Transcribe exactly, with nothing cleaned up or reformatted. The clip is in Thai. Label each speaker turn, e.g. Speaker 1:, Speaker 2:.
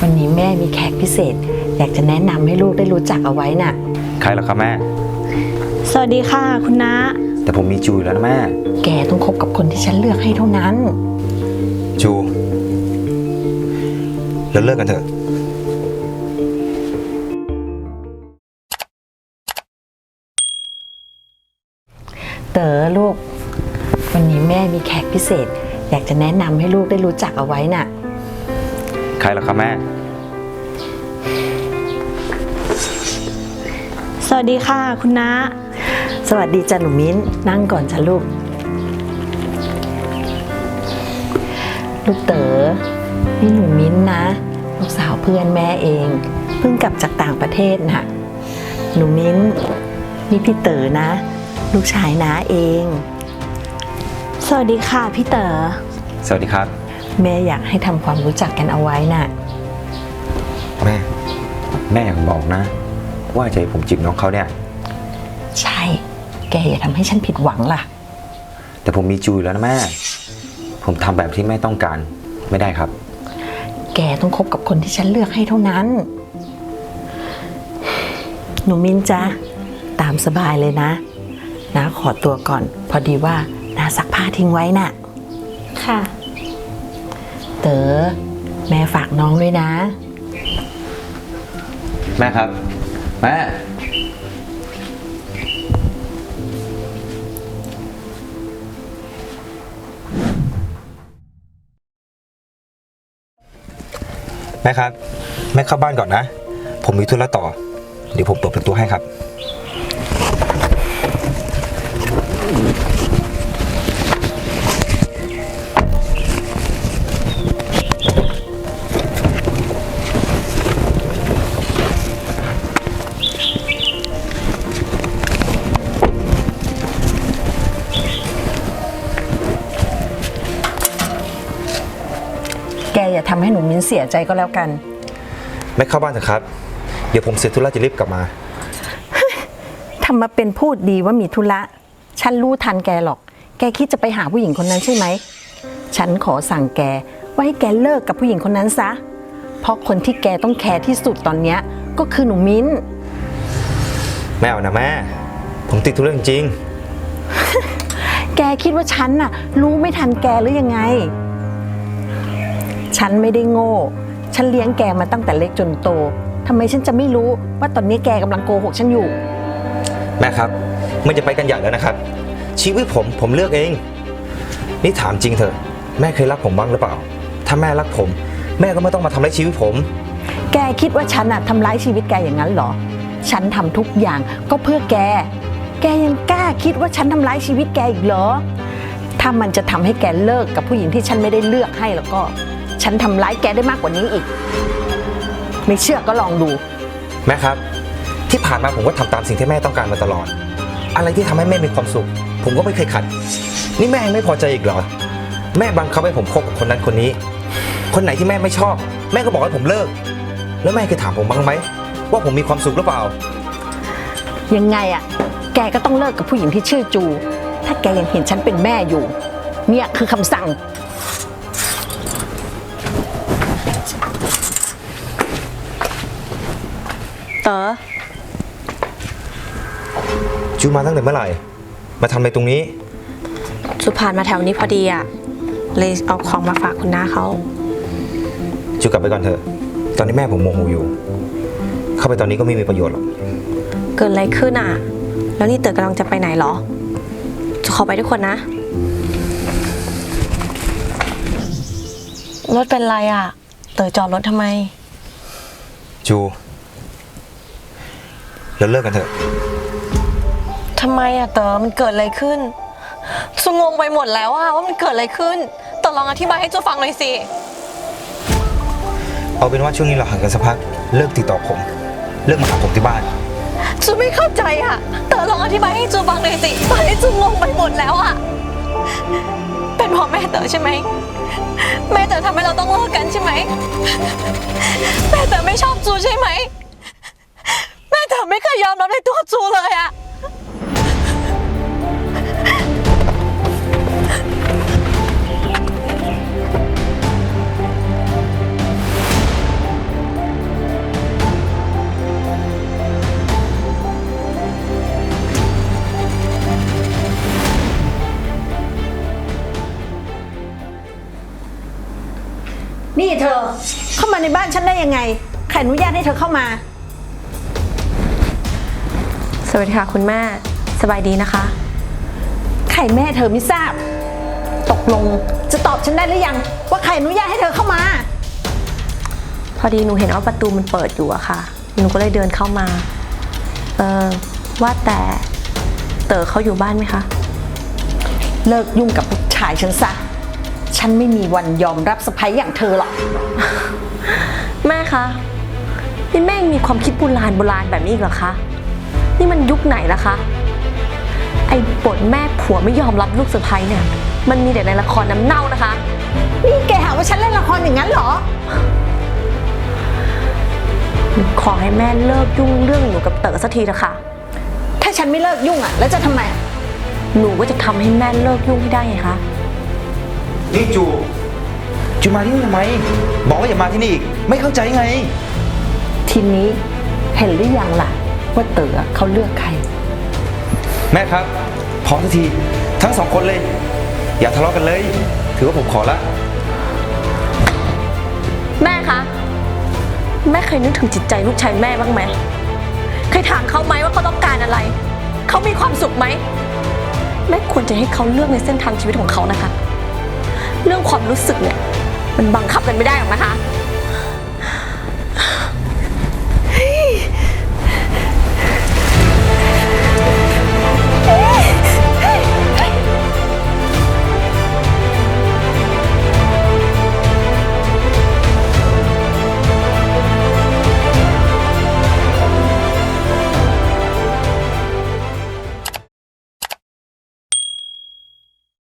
Speaker 1: วันนี้แม่มีแขกพิเศษอยากจะแนะนำให้ลูกได้รู้จักเอาไว้น่ะ
Speaker 2: ใครเหรอครับแม่
Speaker 3: สวัสดีค่ะคุณน้า
Speaker 2: แต่ผมมีจูอยู่แล้วนะแม่
Speaker 1: แกต้องคบกับคนที่ฉันเลือกให้เท่านั้น
Speaker 2: จูเราเลิกกันเถอะ
Speaker 1: เต๋อลูกวันนี้แม่มีแขกพิเศษอยากจะแนะนำให้ลูกได้รู้จักเอาไว้น่ะ
Speaker 2: ใครเหรอครับแม่
Speaker 3: สวัสดีค่ะคุณน้า
Speaker 1: สวัสดีจ้ะหนูมิ้นนั่งก่อนจ้ะลูกลูกเต๋อนี่หนูมิ้นนะลูกสาวเพื่อนแม่เองเพิ่งกลับจากต่างประเทศน่ะหนูมิ้นนี่พี่เต๋อนะลูกชายน้าเอง
Speaker 3: สวัสดีค่ะพี่เต๋อ
Speaker 2: สวัสดีครับ
Speaker 1: แม่อยากให้ทำความรู้จักกันเอาไว้น่ะ
Speaker 2: แม่แม่อยากบอกนะว่าใจผมจีบน้องเขาเนี่ย
Speaker 1: ใช่แกอย่าทำให้ฉันผิดหวังล่ะ
Speaker 2: แต่ผมมีจูอยู่แล้วนะแม่ผมทำแบบที่แม่ต้องการไม่ได้ครับ
Speaker 1: แกต้องคบกับคนที่ฉันเลือกให้เท่านั้นหนูมิ้นจ๊ะตามสบายเลยนะน้าขอตัวก่อนพอดีว่าน้าซักผ้าทิ้งไว้น่ะ
Speaker 3: ค่ะ
Speaker 1: เต๋อแม่ฝากน้องด้วยนะ
Speaker 2: แม่ครับแม่แม่ครับแม่เข้าบ้านก่อนนะผมมีธุระต่อเดี๋ยวผมเปิดประตูให้ครับ
Speaker 1: แกอย่าทำให้หนูมิ้นเสียใจก็แล้วกัน
Speaker 2: ไม่เข้าบ้านเถอะครับเดี๋ยวผมเสร็จธุระจะรีบกลับมา
Speaker 1: ทำมาเป็นพูดดีว่ามีธุระฉันรู้ทันแกหรอกแกคิดจะไปหาผู้หญิงคนนั้นใช่ไหมฉันขอสั่งแกว่าให้แกเลิกกับผู้หญิงคนนั้นซะเพราะคนที่แกต้องแคร์ที่สุดตอนนี้ก็คือหนูมิ้น
Speaker 2: แม่เอานะแม่ผมติดธุระจริง
Speaker 1: แกคิดว่าฉันน่ะรู้ไม่ทันแกหรือยังไงฉันไม่ได้โง่ฉันเลี้ยงแกมาตั้งแต่เล็กจนโตทำไมฉันจะไม่รู้ว่าตอนนี้แกกำลังโกหกฉันอยู่
Speaker 2: แม่ครับมันจะไปกันใหญ่แล้วนะครับชีวิตผมผมเลือกเองนี่ถามจริงเถอะแม่เคยรักผมบ้างหรือเปล่าถ้าแม่รักผมแม่ก็ไม่ต้องมาทำร้ายชีวิตผม
Speaker 1: แกคิดว่าฉันอะทำร้ายชีวิตแกอย่างนั้นเหรอฉันทำทุกอย่างก็เพื่อแกแกยังกล้าคิดว่าฉันทำร้ายชีวิตแกอีกเหรอถ้ามันจะทำให้แกเลิกกับผู้หญิงที่ฉันไม่ได้เลือกให้แล้วก็ฉันทำร้ายแกได้มากกว่านี้อีกไม่เชื่อก็ลองดู
Speaker 2: แม่ครับที่ผ่านมาผมก็ทำตามสิ่งที่แม่ต้องการมาตลอดอะไรที่ทำให้แม่มีความสุขผมก็ไม่เคยขัดนี่แม่ยังไม่พอใจอีกเหรอแม่บังคับให้ผมคบกับคนนั้นคนนี้คนไหนที่แม่ไม่ชอบแม่ก็บอกให้ผมเลิกแล้วแม่เคยถามผมบ้างไหมว่าผมมีความสุขหรือเปล่า
Speaker 1: ยังไงอะแกก็ต้องเลิกกับผู้หญิงที่ชื่อจูถ้าแกยังเห็นฉันเป็นแม่อยู่เนี่ยคือคำสั่ง
Speaker 3: เต๋อ
Speaker 2: จูมาตั้งแต่เมื่อไหร่มาทำอะไรตรงนี้
Speaker 3: จูผ่านมาแถวนี้พอดีอ่ะเลยเอาของมาฝากคุณน้าเขา
Speaker 2: จูกลับไปก่อนเถอะตอนนี้แม่ผมโมโหอยู่เข้าไปตอนนี้ก็ไม่มีประโยชน์หรอก
Speaker 3: เกิดอะไรขึ้นอ่ะแล้วนี่เต๋อกำลังจะไปไหนหรอจูขอไปทุกคนนะรถเป็นไรอ่ะเต๋อจอดรถทำไม
Speaker 2: จูแล้วเลิกกันเถอะ
Speaker 3: ทำไมอะเต๋อมันเกิดอะไรขึ้นซูงงไปหมดแล้วอะว่ามันเกิดอะไรขึ้นเต๋อลองอธิบายให้จูฟังหน่อยสิ
Speaker 2: เอาเป็นว่าช่วงนี้เราห่างกันสักพักเลิกติดต่อผมเลิกมาหาผมที่บ้าน
Speaker 3: จูไม่เข้าใจอะเต๋อลองอธิบายให้จูฟังหน่อยสิตอนนี้จูงงไปหมดแล้วอะเป็นเพราะแม่เต๋อใช่ไหมแม่เต๋อทำให้เราต้องเลิกกันใช่ไหมแม่เต๋อไม่ชอบจูใช่ไหมแม่เต๋อไม่เคยยอมรับในตัวจูเลยอะ
Speaker 1: เข้ามาในบ้านฉันได้ยังไงใครอนุญาตให้เธอเข้ามา
Speaker 3: สวัสดีค่ะคุณแม่สบายดีนะคะ
Speaker 1: ใครแม่เธอไม่ทราบ ตกลงจะตอบฉันได้หรือยัง ว่าใครอนุญาตให้เธอเข้ามา
Speaker 3: พอดีหนูเห็นว่าประตูมันเปิดอยู่อะค่ะ หนูก็เลยเดินเข้ามา เออว่าแต่เต๋อเขาอยู่บ้านไหมคะ
Speaker 1: เลิกยุ่งกับผู้ชายฉันซะ ฉันไม่มีวันยอมรับสะใภ้อย่างเธอหรอก
Speaker 3: แม่คะนี่แม่ยังมีความคิดโบราณโบราณแบบนี้อีกเหรอคะนี่มันยุคไหนล่ะคะไอ้บทแม่ผัวไม่ยอมรับลูกสะใภ้เนี่ยมันมีแต่ในละครน้ำเน่านะคะ
Speaker 1: นี่แกหาว่าฉันเล่นละครอย่างนั้นเหรอ
Speaker 3: หนูขอให้แม่เลิกยุ่งเรื่องหนูกับเต๋อสักทีเถอะค่ะ
Speaker 1: ถ้าฉันไม่เลิกยุ่งอ่ะ แล้วจะทำไม
Speaker 3: หนูก็จะทำให้แม่เลิกยุ่งให้ได้ไงคะ
Speaker 2: นี่จู จูมาที่นี่ทำไม บอกว่าอย่ามาที่นี่อีก ไม่เข้าใจไง
Speaker 1: ทีนี้เห็นหรือยังล่ะ ว่าเต๋อเขาเลือกใคร
Speaker 2: แม่ครับ พอสักที ทั้งสองคนเลย อย่าทะเลาะกันเลย ถือว่าผมขอละ
Speaker 3: แม่คะแม่เคยนึกถึงจิตใจลูกชายแม่บ้างไหมเคยถามเขาไหมว่าเขาต้องการอะไรเขามีความสุขไหมแม่ควรจะให้เขาเลือกในเส้นทางชีวิตของเขานะคะ เรื่องความรู้สึกเนี่ยมันบังคับกันไม่ได้หรอกนะคะ